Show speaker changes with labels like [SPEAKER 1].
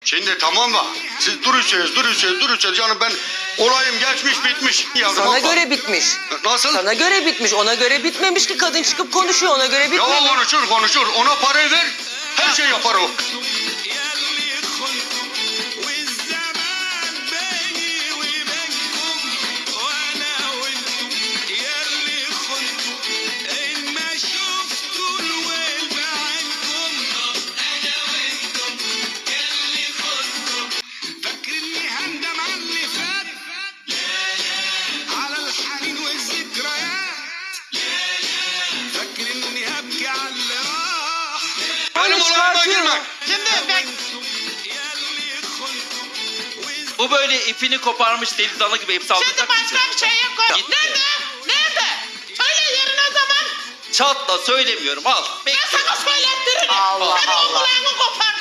[SPEAKER 1] Şimdi tamam mı? Siz duruyorsunuz. Yani ben olayım geçmiş bitmiş. Yavrum,
[SPEAKER 2] Sana
[SPEAKER 1] abla.
[SPEAKER 2] göre bitmiş.
[SPEAKER 1] Nasıl?
[SPEAKER 2] Sana göre bitmiş. Ona göre bitmemiş ki, kadın çıkıp konuşuyor, ona göre
[SPEAKER 1] Ya
[SPEAKER 2] bitmemiş.
[SPEAKER 1] konuşur. Ona parayı ver. Her şey yapar o. Benim olayıma girme.
[SPEAKER 3] Şimdi ben
[SPEAKER 4] Bu böyle ipini koparmış deli dana gibi hep
[SPEAKER 3] şimdi
[SPEAKER 4] saldıracak
[SPEAKER 3] başka
[SPEAKER 4] bize.
[SPEAKER 3] bir şey yok.
[SPEAKER 4] Gitti.
[SPEAKER 3] Nerede? Söyle yerini o zaman.
[SPEAKER 4] Çatla söylemiyorum al.
[SPEAKER 3] Ben sana söylettiririm.
[SPEAKER 2] Allah
[SPEAKER 3] Senin
[SPEAKER 2] Allah.
[SPEAKER 3] kulağını kopar.